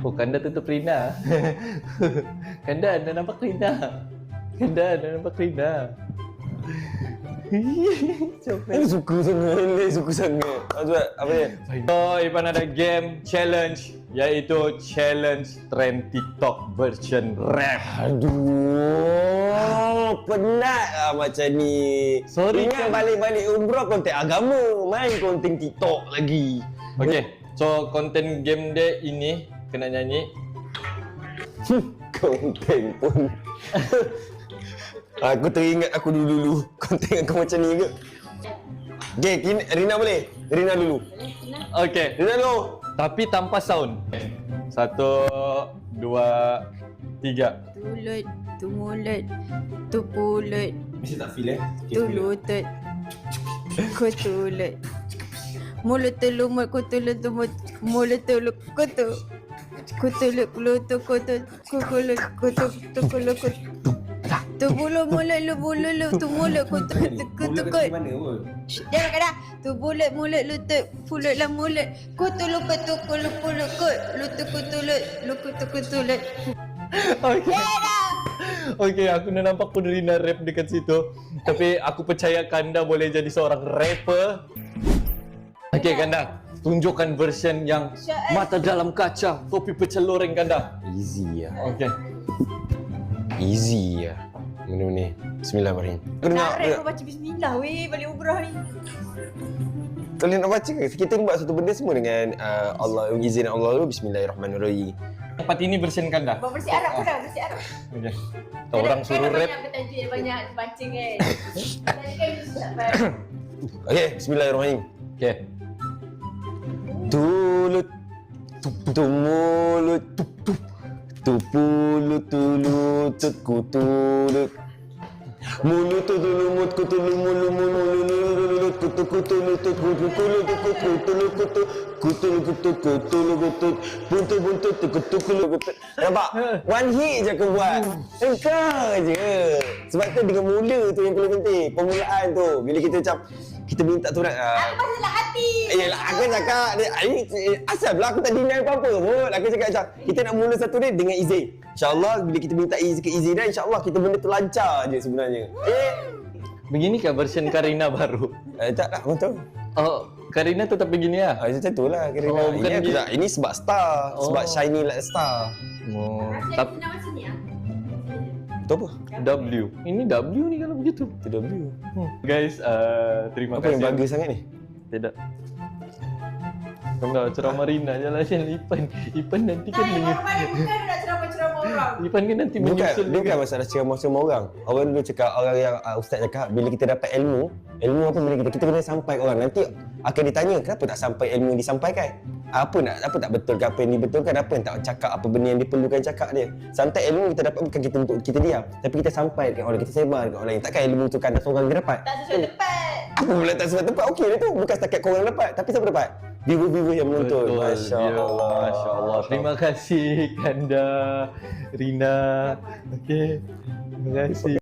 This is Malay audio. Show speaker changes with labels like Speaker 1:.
Speaker 1: Oh, Kanda tutup Rina. Kanda, anda nampak Rina. Kanda, anda nampak Rina.
Speaker 2: Ini suka sangat. Apa dia?
Speaker 1: So, Ipan ada game challenge, iaitu challenge trend TikTok version rap.
Speaker 2: Aduh, penat lah macam ni.
Speaker 1: Sorry
Speaker 2: Ingat
Speaker 1: kan.
Speaker 2: balik-balik umrah konten agama, main konten TikTok lagi.
Speaker 1: Okay, so konten game dia ini kena nyanyi.
Speaker 2: Konten pun. Aku teringat aku dulu konten aku macam ni ke. Okay, Rina boleh? Rina dulu.
Speaker 1: Okay,
Speaker 2: Rina dulu.
Speaker 1: tapi tanpa sound. 1, 2, 3.
Speaker 3: Tulut, tu mulut, tu pulut,
Speaker 2: Mesti tak feel
Speaker 3: tu lutut, ku tulut. Mulut tu lumut, ku tulut tu mulut tu kutu. Ku tulut lutut, kutu, ku kulut, kutu, tu kulut, kutu. Tu bulu mulut, lu bulu lu, tu mulut, kutu, kutu, kutu.
Speaker 2: Mana pun?
Speaker 3: Jangan kena. Tu mulut, lutut, pulut lah mulut. Kutu lu, kutu, kulut, kulut, kut. Lutut, kutulut, lu kutu, kutulut.
Speaker 1: Okay. Okay, aku dah nampak pun Rina rap dekat situ. Tapi aku percaya Kanda boleh jadi seorang rapper. Okay, Kanda, tunjukkan version yang mata dalam kaca, topi pecel loreng, Kanda.
Speaker 2: Easy ya.
Speaker 1: Okay.
Speaker 2: Easy ya. Mana ni? Bismillahirrahmanirrahim. Kau dengar?
Speaker 3: Kau baca bismillah weh balik umrah ni.
Speaker 2: Kalian nak baca ke? Kita buat satu benda semua dengan Allah, izin Allah dulu. Bismillahirrahmanirrahim.
Speaker 1: Tempat ini version Kanda.
Speaker 3: Buat bersih Arab pun dah, bersih Arab.
Speaker 1: Okay. Orang suruh rap.
Speaker 3: Banyak bertajuk, banyak baca kan. Tadi kan susah kan.
Speaker 2: Okey, bismillahirrahmanirrahim.
Speaker 1: Okay.
Speaker 2: Tulut, tumulut, tupulut, tulutut, kutulut. Mulut tu lumut, kutu lumulu, mulut, kutu kutu lutut, kutu kulut, kutu kutu kutu kutu kutu kutu kutu buntu buntu kutu kutu kutu. Nampak? One hit je aku buat. Engkau je. Sebab tu dengan mula tu yang paling penting. Permulaan tu. Bila kita macam kita minta tu nak.
Speaker 3: Aku pasal lah hati.
Speaker 2: Yelah, aku cakap asal pula aku tak deny apa-apa pun. Aku cakap macam kita nak mula satu ni dengan izin. InsyaAllah bila kita minta izin dah, InsyaAllah kita benda tu lancar je sebenarnya.
Speaker 1: Beginikah version Karina baru?
Speaker 2: Tak lah, betul.
Speaker 1: Oh, Karina tetap begini ya?
Speaker 2: Macam tu lah kira.
Speaker 1: Oh, bukan
Speaker 2: ini,
Speaker 1: dia-
Speaker 2: ini sebab star. Sebab shiny like star.
Speaker 1: Oh,
Speaker 3: Tapi nak macam ni ah.
Speaker 2: Itu apa?
Speaker 1: W. Ini W ni kalau begitu.
Speaker 2: Itu W.
Speaker 1: Guys, terima
Speaker 2: Apa
Speaker 1: kasih.
Speaker 2: yang bagus sangat ni?
Speaker 1: Tidak. Kau ceramah Rina je lah Ipan. Ipan nanti kan
Speaker 3: Bukan nak ceramah-ceramah orang.
Speaker 1: Ipan kan nanti
Speaker 2: Bukan,
Speaker 1: menyusul
Speaker 2: bukan masalah ceramah-ceramah orang. Orang dulu cakap, orang yang ustaz cakap, bila kita dapat ilmu apa bila kita kena sampai ke orang. Nanti akan ditanya, kenapa tak sampai ilmu yang disampaikan? Apa tak betul ke apa yang dibetulkan, apa yang tak cakap, apa benda yang diperlukan cakap dia. Sometimes ilmu kita dapat bukan kita untuk kita diam, tapi kita sampai dekat orang, kita sebar dekat orang lain. Takkan ilmu tu kan seorang dia dapat?
Speaker 3: Tak sesuai tepat.
Speaker 2: Apa pula tak sesuai tempat? Okey dia tu. Bukan setakat korang dapat, tapi siapa dapat? Viewer-viewer yang menonton. Masya Allah.
Speaker 1: Masya Allah. Terima kasih Kanda, Rina. Okey. Terima kasih.